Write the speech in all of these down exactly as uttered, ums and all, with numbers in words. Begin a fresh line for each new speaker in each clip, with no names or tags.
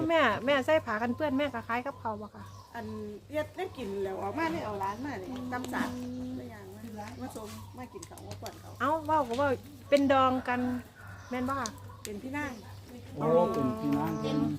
แม่แม่ใส่ผ้ากันเปื้อนแม่ก็คล้ายกับเขาบ่ค่ะ
อันเฮ็ดได้กินแล้วออกมาได้เอาร้านมานี่ตำสาดตัวอย่างมามาส่งมากินเขาว่าก่อนเขา
เอ้าเว้าก็ว่าเป็นดองกันแม่นบ่ค่ะ
เป็นพี่นาง
โอ้เป็นพี่น้องเพิ่น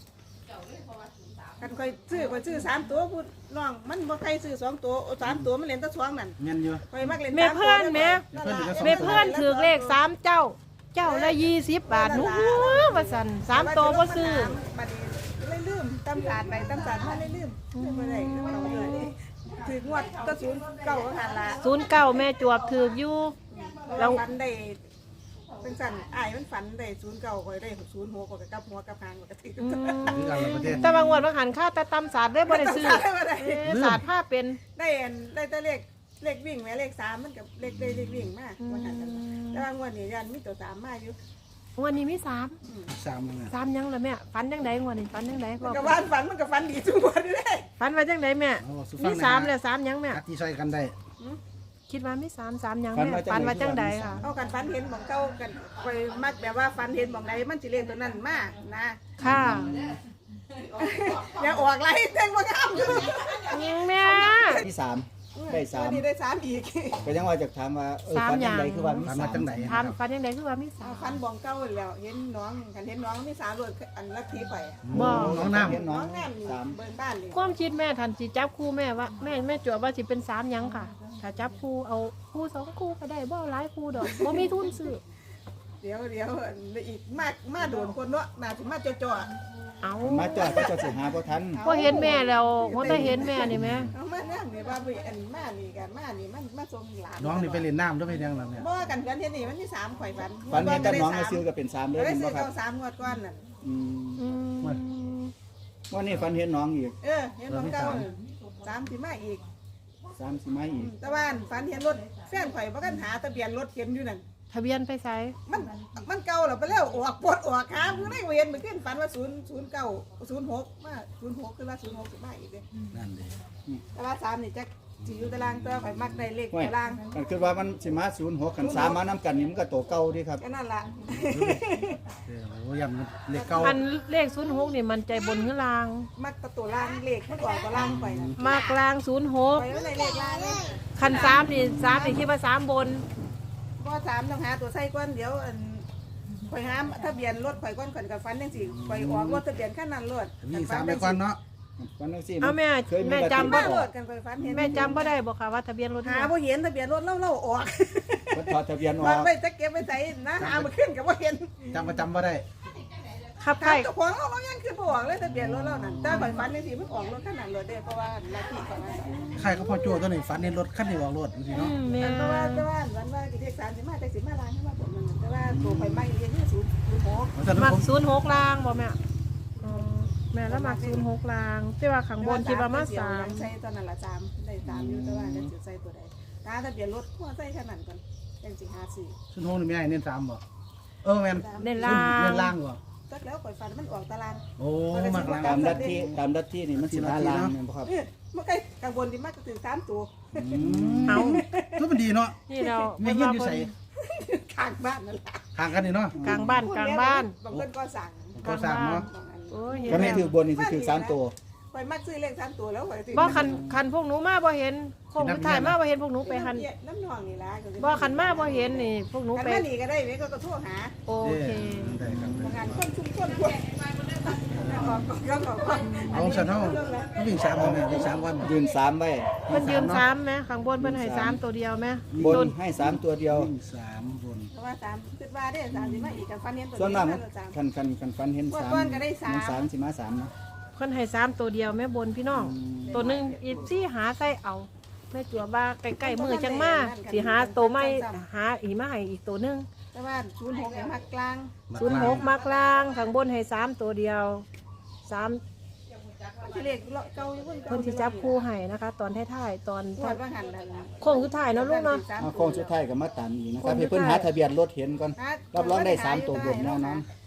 กันค่อยซื้อค่อยซื้อสามตัวพูดน้องมันบ่ใครซื้อสองตัวสามตัวมันเล่นแตะสองนั่น
แม่นอยู่
ค่อยมักเล่น
แม่เพื่อนแม่ แม่เพื่อนถือเลขสามเจ้า เจ้าละยี่สิบบาทหนูว่าซั่นสามตัวบ่ซื้อ
บัดนี้เลยลืมตำสาดไปตำสาดมาเลยลืมลืมบ่ได้ลืมเอาเลยถืองวดก็ศูนย์เก้าก็หันละ
ศูนย์เก้าแม่จวบถือกอยู่
เราฝันได้เป็นสั่นอ้ายมันฝันได้ศูนย์เก้าก็ได้ศูนย์หกก็กับหัวกับหางก็ถือ
อืม
คือกันละประเทศ
แต่บางวันบางหันค่าแต่ตำศาสตร์ได้บ่ได้ซื้อ
ได้
เออศาสตร์ผ้าเป็น
ได้อันได้แต่เลขเลขวิ่งแม่เลขสามมันกับเลขได้เลขวิ่งมากว่าหันกันแต่บางวันนี่ยันมีตัวสามมาอยู่
วันนี้มีสาม
สามมื้อ
สามยังล่ะแม่ฝันจังได๋วันนี้ฝันจังได๋
มันกับวันฝันมันกับฝันดีทุกวันเลย
ฝันว่าจังไดแม่
เอาสู่
มี
ฟัง
สามแล้วสามยังแม่
อัดที่ใส่กันได้
คิดว่ามีสามสามยังแม่ฝันว่าจังไดค่ะ
เอากันฝันเห็นของเก่ากันคอยมักแบบว่าฝันเห็นของใดมันสิเลขตัวนั้นมานะ
ค่ะ
อย่าออกไรเต้นว่างามอยู่
แม่
ที่สามได้สาม
วันนี้ได้สามอีก
ก็ยังว่าจะถามว่าเออฟันยังไงคือว่ามี
ฝัน
สา
ว่าม จังได
ถามฝันจังไดคือว่ามีสา
เอา
ม
ฟันบองเก่าแล้วเห็นน้องกันเห็นน้องมีสามรถอันละทีไป
บ่
น้องน้ำ
เห็นน้
น้
อ
อง งงามอยู่
สาม
เบิ่งบ้านเลย
ความคิดแม่ทันสิจับคู่แม่ว่าแม่แม่จวบว่าสิเป็นสามยังค่ะ ถ้าจับคู่เอาคู่สองคู่ก็ได้บ่เอาหลายคู่ดอกบ่มีทุนซื้อ
เดี๋ยวเดี๋ยวอีกมากมาโดนคนเนาะมาถึงมาจ่อ
เอา
มาจอดก็จะสิหาบ่ทัน
พอเห็นแม่แล้วพอได้เห็นแม่นี่แม่
ๆเอามานั่งนี่ว่าไปอันมานี่กันมานี่มันมาส่งหลาน
น้องนี่ไปเล่นน้ำด้วยไปยังล่ะเนี่ย
บ่กันกันเห็นนี่มันมีสามข่อยฟัน
ฟันเห็นแต่น้องก็ซื้อก็เป็นสามเลย
ได้
เห็น
ซื้
บ่
อ
ครับ
เก้าสามงวดก้อนนั่น
อืม
อืม
วันนี้ฟันเห็นน้องอีก
เออเห็นของเก่าสามสิมาอีก
สามสิมาอีก
แต่ว่าฝันเห็นรถแฟนข่อยบ่กันหาทะเบียนรถเข็มอยู่นั่น
ทะเบียนไปใส่
มันมันเก่าแล้วไปแล้วออกปวดออกขาเพิ่งได้เวียนเมื่อคืนฝันว่าศูนย์ศูนย์เก้าศูนย์หกมาศูนย์หกคือว่าศูนย์หกสิมาอีกเด้
นั่นเด้
แต่ว่าสามนี่จะสิอยู่ตารางตัวข่อยมักได้เลข
ห้วย
ตาราง
กันคือว่ามันสิมาศูนย์หกกันสามมานํกันนี่มันก็โตเก่าดีครับ
แค่นั้นล่ะ
เออโอ้ยำเลขเก่า
อันเลขศูนย์หกนี่มันใจบนหรือลาง
มักแตะตัวล่างเลขมันออกตารางไปนะ
มากลางศูนย์หก
ไปแล้วในเลขล่างเลย
คันสามนี่สามนี่คิดว่าสามบน
ก็สามต้องหาตัวใส่ก้อนเดี๋ยวอันข่อยหาทะเบียนรถข่อยก้อนข่อยกับฟันจังซี่ข่อยออกรถทะเบียนคันนั้นรถ
มีสามไปก่อนเนาะ
วันนั้นสิ
เอาแม่
เคย
แม่
กระ
จำ
ติ
บ่
บ้ารถกันข่อยฟันเห็น
แม่จำบ่ได้บ่ค่ะว่าทะเบียนรถ
หาบ่เห็นทะเบียนรถเล่าเล่าออก
เพิ่นถอดทะเบียนอ
มั
อน ก
ไว้จะเก็บไว้ใส่นะหาบ่ขึ้นก็บ่เห็น
จำประจำบ่ได้
ขับ
ถา
ไข่
มเจ้าของเราเรายังคือบ่ออกเลยทะเบียนรถเรานั่นแต่ข่อยฟันจังซี่มันออกรถคันนั้นรถเด้เพราะว่าลัทธิของมัน
ใครเขาพอโจ้ตัวนี้ฝันในรถคันนี้ออกรถสิ
อื
เนาะ
มแม่
แต่ว่าแต่ว่าวันว่าเรียกสามสิบมาแต่สิบมาล้านขึ้นมาผมนั่นแต่ว่าตัวข่อยไม่เรียนที่ศูนย์ศูนย์หก
เพราะฉะนั้น
มัก
ผม
ศูนย์หกลางบ่แม่อ๋อแม่แล้วมักศูนย์หกลางแต่ว่าข้างบนคิดว่ามาสาม
ใส่ตอนนั้นละสามได้สามอยู่แต่ว่าจะใส่ตัวใดถ้าทะเบียนรถหัวใส่ขนาดก่อนยังสิห้าสี่
ชุนโฮนี่ไม่ให้เน้นสามบ่เออแม่น
เน้นล่าง
เน้นล่างบ่
จักแล้วข่อยฟันมันออกตาราง
โอ้มากล่าง
ตามลัทธิตามลัทธินี่มันสิหาลางแม่นบ่ครับ
เออมันใกล้กลางบนที่มากก็ถึงสามตัว
อืม
เอา
ก็มันดีเนาะ
นี่เรา
มีเงินอยู่ใส่
ข้างบ้านนั่นแหละ
ห่างกันนี่เนาะ
กลางบ้านกลางบ้าน
บางคนก็สั่ง
ก็สร้างเนาะ
บางอัน
โอ้ยเห็น
ก็ไม่
แล้ว
ถือบนนี่สิถือสามตัว
ข่อยมักซื้อเลขสามตัวแล้วข่อยซื้อ
บ่คันคันพวกหนูมาบ่เห็นพวกหนูถ่ายมาบ่เห็นพวกหนูไปหัน
น้ำหนองนี่ล่ะ
บ่คันมาบ่เห็นนี่พวกหนู
คัน
ไป
มานี่ก็ได้เว้ยก็ก็โทรหา
โอเค
ได้ครับ
บางงานคนชุมชนพวกออกก็ออกก็
เอาสันเฮาก็วิ่งสามวันวิ่งสามวัน
ยืนสามไว้
เพิ่นยืนสามไหมข้างบนเพิ่นให้สามตัวเดียวไหม
บ
ต้
นให้สามตัวเดียว
วิ่งสามบน
เพราะว่าสามคิดว่าได้สามสิมาอีกกันฟันเห็นตัว
ส่วนมาก
นี้
มัน
สาม
คันคันคันฟันเห็นสาม
ก้อนก็ได้สาม
มันสามสิมาสามเนาะ
เพิ่นให้สามตัวเดียวแม่บนพี่น้อง ตัวหนึงอีซี่หาใส่เอาแม่จัวบ้าใกล้ๆมือจังมาสิหาตัวไม่หาอีมาให้อีกตัวหนึง
แต่ว่าศูนย์หกมากกลาง
ศูนย์หกมากลางข้างบนให้สามตัวเดียวสาม
ที่เลขเก่าอยู่
เพิ่นสิจับคู่ให้นะคะ ตอนท้ายๆตอน
ปวดว่าหันนั่น
โค้งสุดท้ายเนาะลูกเนาะ
เอาโค้งสุดท้ายก็มาตามอีกนะครับให้เพิ่นหาทะเบียนรถเห็นก่อนรับรองได้สามตัวบนแน่นอน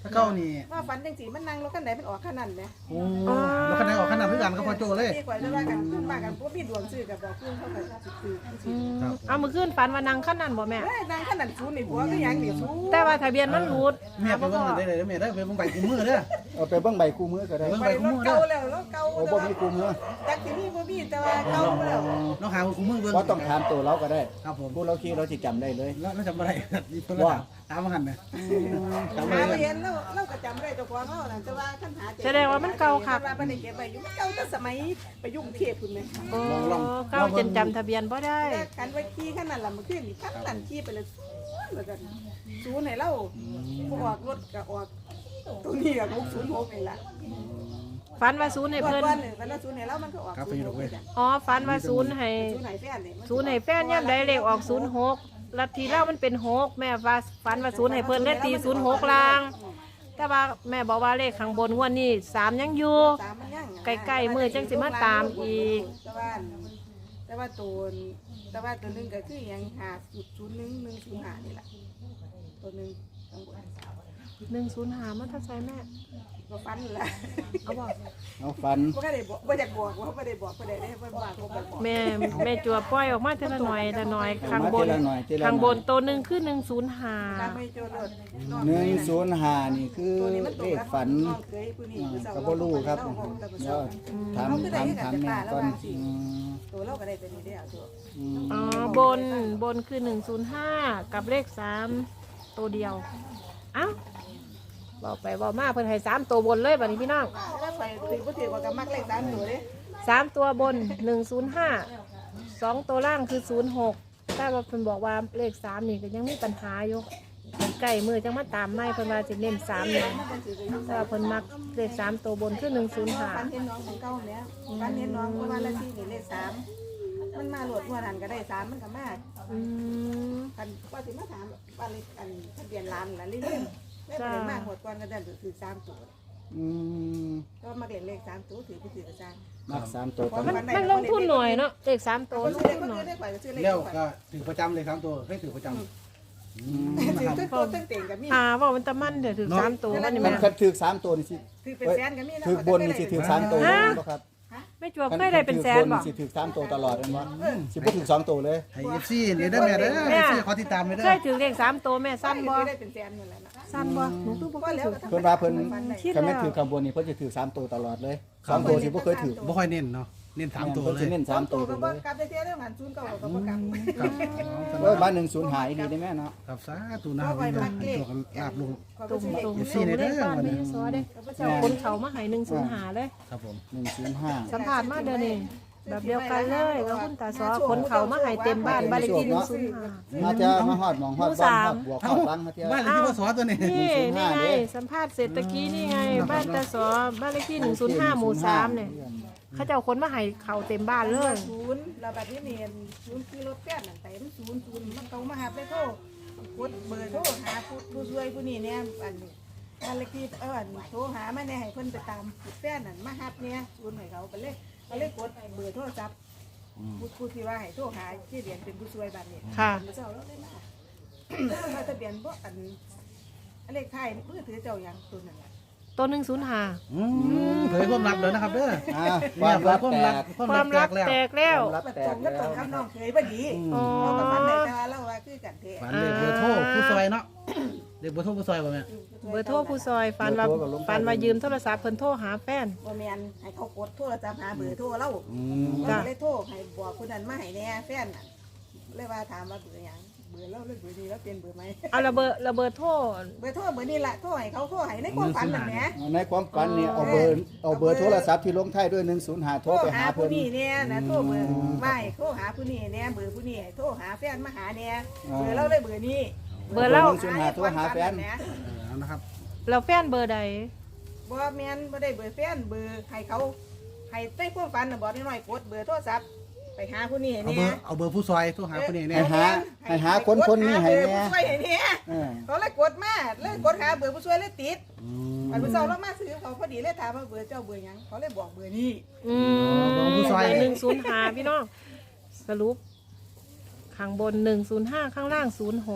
ถ้าเก้านี่
ว่าฝันจังสีมันนั่งรถคันไหนมันออกขนาดนั้นไหม
โอ้แล้วคะแนนออกขนาดเพื่อนก็พอโจเลย
ที่กว่าจะว่ากันขึ้นมากันพวกพี่ดวงซื้อกับบอกขึ้นเขาก็ซื้อ
อืมเอามือขึ้นฝันว่านางขั้นนั้นบ่แม่
เอ้ยนั่งขนาดซูนนี่ผัวก็ยังนี่ซู
แต่ว่าทะเบียนมันรูด
แม่ไปเบิ่งได้เลยแม่ได้ไปเบิ่งใบกูมือเด้อ
เอาไปเบิ่งใบคู่มือก็ได้
เบิ่ง
ไปรถเก่าแล้วรถเก่า
โอ้บ่มีคู่มือ
จากที่นี่บ่มีแต่ว่าเก่าแล้ว
น้องหากูมือเบิ่ง
ว่าต้องถามตัวเราก็ได้
ครับผม
ผู้เราคิดเราสิจำได้เลย
แล้วแล้วจำอะไรนี่เพิ่นว่าตามมาหันนะจำ
หา
อะไร
เห็นแล้วเราก็จำได้เจ้าของเขานั่นแต่ว่าคันหาว่าบ่ได้เก็บไว้อยู่เก่าแต่สมัยไปยุ่งเทพพุ่นแม่
โอ้เก้าจนจำทะเบียนบ่ได้
กันไว้ขี้ขนาดล่ะมันขึ้นนี่พันนั่นขี้ไปเลยแล้วก็ซูนให้เราบ่ออกรถก็ออกตัวนี้ก็หกศูนย์หกนี่ล่ะ
ฝันว่าศูนย์ให้
เพิ่
เพิ่
น
น
เพิ่นว่าซูนให้เรามันก็ออกศูนย์หกจ้ะ
อ๋อฝันว่าศูนย์ให้
ซูนให้แฟนนี่
ศูนย์ให้แฟนย่ำใดเลขออกศูนย์หกลัทธิเล่ามันเป็นหกแม่ว่าฝันว่าศูนย์ให้เพิ่นได้ตีศูนย์หกลาง แต่ว่าแม่บอกว่าเลขข้างบนงวดนี้สามยังอยู่
ตามมันยัง
ใกล้ๆมื้อจังสิมาตามอีก
แต่ว่าแต่ว่าตัวแต่ว่าตัวหนึงก็คือหยังห้าศูนย์หนึ่ง หนึ่งศูนย์ห้านี่ล่ะตัวหนึงข้างบน
หนึ่งศูนย์ห้ามันทัดใส่แม่
บ่ฟันล่ะ
เอาบอก
เอาฟัน
บ่ได้บอกบ่อยากบอกว่าบ่ได้บอกบ่ได้ได้บ่ว่าบ่บอก
แม่แม่จัวปล่อยออกมาทีละหน่อยละหน่อยข้างบน
เอมทีละหน่อยทีละหน่อย
ข้างบนตัวหนึ่งคือหนึ่งศูนย์ห้า
ตามไม่โจรรถ
หนึ่งศูนย์ห้านี่คือ
ตัวนี้มันต
เล
ก
ข
กับ
ฝัน
น้องเคยผู้นี้
อ่า
คือเสา
ก็บ่รู้ครับ
เาบอกแต่ผู้
เดี๋ย
เสาว
ถามถามถามแม่ก่อนอืม
ตัวเราก็ได้ตัวนี้ได้เอาตัว
อืม
อ๋อบนบนคือหนึ่งศูนย์ห้ากับเลขสามตัวเดียวเอ้าบอกไปบอกมาเพิ่นให้สามตัวบนเลยบัดนี้พี่น้อง
ถ้าไปถือบ่ถือว่าก็มักเลขสามตัวเด้
สามตัวบนหนึ่งศูนย์ห้าสองตัวล่างคือศูนย์หกแต่ว่าเพิ่นบอกว่าเลขสามนี่ก็ยังมีปัญหาอยู่ใกล้มือจังมาตามไม่เพิ่นว่าจะเน้นสามนี่แต่ว่าเพิ่นมักเลขสามตัวบนคือหนึ่งศูนย์ห้า
ฟันเห็นน้องของเก่าเนี่ยฟันเห็นน้องเพราะว่าละที่นี่เลขสามมันมาโหลดหัวหันก็ได้สามมันก็มา
อืม
คันว่าสิมาถามว่าเลขอันทะเบียนร้านล่ะเรื่อยๆได้ไปมากหดก่อนก็ได้ถือสามตัว
อืม
ก็มาเรียนเลขสามตัวถือผู้ถือกระจาย
มักสามตัวต้อง
มันมันลงทุนหน่อยเนาะเลขสามตัว
คน
ลง
ซื้อเลข
ทุน
คน
หน่อย
ซื้อเลขไปก็ซื้อเลข
แล้ว
ไป
ก็ถือประจำเลยครับตัวเคยถือประจำ
ถือตึ้งโตตึ้งเต่งกับมี
อ่าว่ามันตะมันเดี๋ยวถึงสามตัวมันนี่
มั
แม่
นคันถือสามตัวนี่สิ
ถือเป็นแสนกับมีนะ
ถือบนนี่สิถือสามตัวเลยบ่ครับ
ไม่จวบเคยได้เป็นแสน
ถื
บ่
บนสิถือสามตัวตลอดเลยมั้สิบ่ถือสองตัวเลย
ให้เอฟซีนี่ได้แม่เด้อเอฟซีขอติดตามเลยเด้
เค
อย
ถึงเลขสามตัวแม่สั้นบ่
ได้เป็นแสนอยู่แล้วนะ
สั้นบ่หนูตู้บ่เคยถือ
เพิ่นว่าเพิ่น
คิด
คันแม่น
แล้ว
ถือข้างบนนี่เพิ่นจะถือสามตัวตลอดเลยสองตัวสิบ่เคยถือ
บ่ค่อยเน้นเนาะเน้นสามตัว
เพิ่น
เล
สิ
ย
เน้น
สา
สาม ม
ตั
ตัว ว
ก็
ไป
บ่
เลย
กลับได้เท่าเรื่องหันศูนย์เก่าก็บ่กลับ
ครับ
เอ้ยบ้านหนึ่งศูนย์หายดีได้แม่เนาะ
ครับสาธุนะครับพี่น้องตัวกันลาบลง
ตรงตรง
เอฟ
ต
ซี
รง
ใน
เล
เด้
ข
อ
บ้าน
วัน
ไม่
นี้
ซอเด้เจ้าคนเขามาให้หนึ่งศูนย์หาเลย
ครับผม
หนึ่งศูนย์ห้า
สัมผัสมาเดี๋ยวนี้แบบเดียวกันเลยกับคุณตาซอคนเขามาให้เต็มบ้านบ้านเลขที่หนึ่งศูนย์ห้า
มาจะมาฮอดหมองฮอดบ้านฮอดบวกฮอดบังมาเที่ยว
บ้านเลขที่พ่อสอตัวนี้
นี่นี่ไงสัมภาษณ์เสร็จตะกี้นี่ไง บ้านตาซอบ้านเลขที่หนึ่งศูนย์ห้าหมู่สามเนี่ยเขาจะเอาคนมาให้เขาเต็มบ้านเลย
ศูนย์แล้วบัดนี้เนียนศูนย์ขี่รถแป้นนั่นแต่มันศูนย์ศูนย์มันต้องมาหาไปโทรกดเบอร์โทรหาผู้ผู้ช่วยผู้นี้เนี่ยอันนี้บ้านเลขที่เออโทรหามาเนี่ยให้เพิ่นไปตามแป้นนั่นมาหับเนี่ยศูนย์ให้เขาไปเลยเขาเลยกดเบอร์โทรศัพท์ผู้ผู้ที่ว่าให้โทรหาที่เรียนเป็นผู้ช่วยบ้านนี้
ค่ะ
เจ้าแล้วเลยมามาทะเบียนบ่อันอันเลขไทยมือถือเจ้าอย่างตัวนั้น
ตัวหนึ่งศูนย์ห้า
อืมเผยความลับเลยนะครับเด้อ
อ่าค
เนี่
วาย ม
เผ
ลั
ย
บ
ความ
แต
ลับ
ก
ความ
ค
ลั
วา
บ
ม
แต
รัก
กแล้ว
แตกแล้ว
ความลับ
มัน
แต
ตร
ก
งก็ตรง
แล้ว
กับน้องเคยบ่ดี
อ๋อ
เรากับมันในแต่ว่าเราว่าคือกันเท
ฝันเลขเบอร์โทรผู้ซอยเนาะเลขเบอร์โทรผู้ซอยบ่แม่
เบอร์โทรผู้ซอยฟันว่าฟันว่ายืมโทรศัพท์เพิ่นโทรหาแฟน
บ่แม่นให้เขากดโทรศัพท์หาเบอร์โทรเรา
อืม
เราก็เลยโทรให้บอกคนนั้นมาให้แน่แฟนน่ะเลยว่าถามว่าเบอร์หยังเบอร์เราเลยเบอร์นี้แล้วเปลี่ยนเบอร์ไหม
เอาระเบิดระเบิดโทร
เบอร์โทรเบอร์นี้ล่ะโทรให้เขาโทรให้ในความฝันนั่นแหละ
ในความฝันนี่เอาเบอร์เอาเบอร์โทรศัพท์ที่ลงท้ายด้วยหนึ่งศูนย์ห้าโท
โท
ร
ร
ไป
หา
หา
ผู้
เพิ่น
นี้เนี่ยนะโทรเบอร์ไม่โทรหาผู้นี้เนี่ยเบอร์ผู้นี้โทรหาแฟนมาหาเนี่ยเบอร์เราเลยเบอร์นี้
เบอร์เล่า
หนึ่งศูนย์ห้าโทรหาแฟน
นะ
เอานะครับ
เราแฟนเบอร์ใด
บ่แม่นบ่ได้เบอร์แฟนเบอร์ให้เขาให้ใต้ความฝันน่ะบอกน้อยๆกดเบอร์โทรศัพท์ไปหาผู้นี้
เอา
เนี่
เบอย ร์เอาเบอร์ผู้ซอยโทรหาคนนี้
ให้
เนี่ย
หาให้หาคนคนนี้ให้
เบอร์
แน่
ผู้ช่วยให้เนี่ย
เออ
เขาเลยกดมาเลยกดหาเบอร์ผู้ช่วยเลยติด
อื
อันผู้เฒ่าเรามาซื้อเขาพอดีเลยถามว่าเบอร์เจ้าเบอร์หยังเขาเลยบอกเบอร์นี้
อืมเบอร์หนึ่งศูนย์ห้าพี่น้องสรุปข้างบนหนึ่งศูนย์ห้าข้างล่างศูนย์หกบ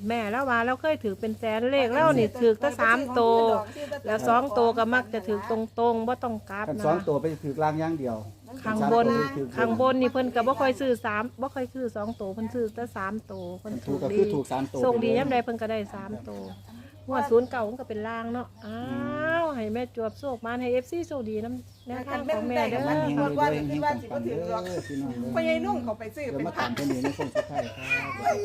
แม่แล้วว่าเราเคยถือเป็นแสนเลขแล้วนี่ถือตั้งสามโตวแล้วสองโตวก็มักจะถือตรงๆว่าต้องกลับ
กัน
นะ
สองตัวไปถือรางอย่างเดียว
ข้างบนข้างบนนี่เพิ่นก็บ่ค่อยซื้อสามบ่ค่อยซื้อสองโตวเพิ่นซื้อแต่สามโตวเพิ่น
ถู
ถู
ก
ก
ก็
ดี
คือถูกสามตัว
ส่งดียามใดเพิ่นก็ได้สามโตวงวดศูนย์เก่ามันก็เป็นล่างเนาะอ้าวให้แม่จวบโชคมาให้ เอฟ ซี โชคดีนำแนวทางของแม่เด้อ
มันมีหมดว่าคิดว่าสิบ่ถือหรอก
พี่น้อง
พ่อใหญ่นุ่งเขาไปซื้อ
เดี๋ยว
เป็น
มา
พั
ตาน มกันนี้ในโค้งสุดท้ายครับ